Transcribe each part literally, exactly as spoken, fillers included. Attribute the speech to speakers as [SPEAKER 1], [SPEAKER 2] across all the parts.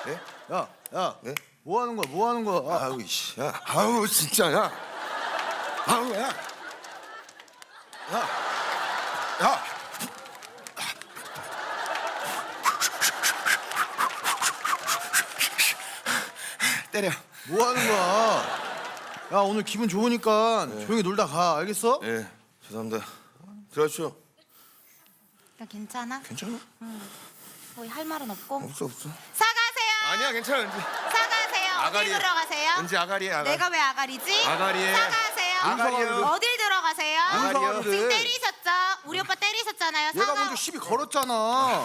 [SPEAKER 1] 네?
[SPEAKER 2] 야, 야,
[SPEAKER 1] 네?
[SPEAKER 2] 뭐 하는 거야? 뭐 하는 거야? 아,
[SPEAKER 1] 아우 이씨, 야, 아우 진짜, 야, 아우 야, 야, 야, 때려.
[SPEAKER 2] 뭐 하는 거야? 야, 오늘 기분 좋으니까 조용히 놀다 가. 알겠어?
[SPEAKER 1] 예, 죄송합니다. 들어가시죠.
[SPEAKER 3] 나 괜찮아?
[SPEAKER 1] 괜찮아?
[SPEAKER 3] 뭐 할 말은 없고.
[SPEAKER 1] 없어 없어.
[SPEAKER 3] 사가세요.
[SPEAKER 1] 아니야, 괜찮아. 은지.
[SPEAKER 3] 사가세요. 어딜
[SPEAKER 1] 아가리에.
[SPEAKER 3] 들어가세요?
[SPEAKER 1] 은지 아가리에 아가리.
[SPEAKER 3] 내가 왜 아가리지?
[SPEAKER 1] 아가리에.
[SPEAKER 3] 사가세요.
[SPEAKER 1] 아가리요.
[SPEAKER 3] 어딜 들어가세요?
[SPEAKER 1] 아가리요.
[SPEAKER 3] 지금 때리셨죠? 우리 오빠 때리셨잖아요.
[SPEAKER 2] 얘가
[SPEAKER 3] 사과.
[SPEAKER 2] 먼저 시비 걸었잖아.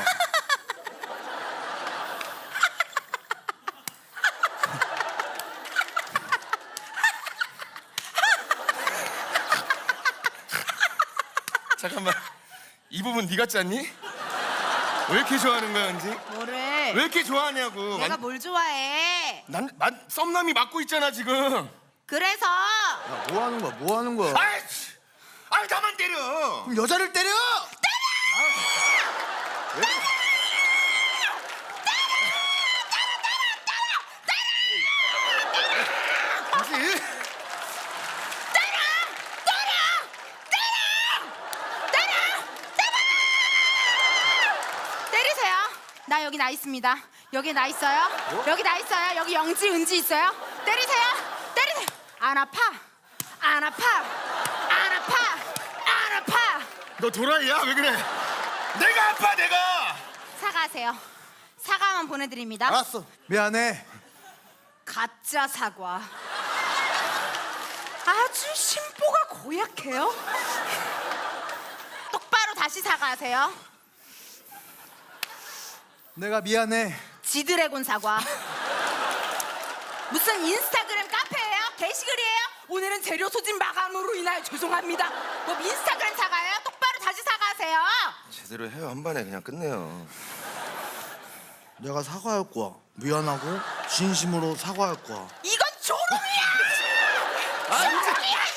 [SPEAKER 1] 잠깐만. 이 부분 네가 짰니? 왜 이렇게 좋아하는 거야, 은지?
[SPEAKER 3] 뭐를?
[SPEAKER 1] 왜 이렇게 좋아하냐고.
[SPEAKER 3] 내가
[SPEAKER 1] 만-
[SPEAKER 3] 뭘 좋아해?
[SPEAKER 1] 난, 난 썸남이 맞고 있잖아 지금.
[SPEAKER 3] 그래서
[SPEAKER 2] 야, 뭐 하는 거야? 뭐 하는 거야?
[SPEAKER 1] 아이씨, 아이 나만 때려.
[SPEAKER 2] 그럼 여자를 때려!
[SPEAKER 1] 뭐지?
[SPEAKER 3] 때리세요. 나 여기 나 있습니다. 여기 나 있어요. 여기 나 있어요. 여기 영지 은지 있어요. 때리세요. 때리세요. 안 아파. 안 아파. 안 아파. 안 아파.
[SPEAKER 1] 너 도라이야? 왜 그래? 내가 아파 내가.
[SPEAKER 3] 사과하세요. 사과만 보내드립니다.
[SPEAKER 2] 알았어. 미안해.
[SPEAKER 3] 가짜 사과. 아주 심보가 고약해요. 똑바로 다시 사과하세요.
[SPEAKER 2] 내가 미안해.
[SPEAKER 3] 지드래곤 사과. 무슨 인스타그램 카페예요? 게시글이에요? 오늘은 재료 소진 마감으로 인하여 죄송합니다. 뭐 인스타그램 사과예요? 똑바로 다시 사과하세요.
[SPEAKER 1] 제대로 해요. 한 번에 그냥 끝내요.
[SPEAKER 2] 내가 사과할 거야. 미안하고 진심으로 사과할 거야.
[SPEAKER 3] 이건 조롱이야. 조롱이야.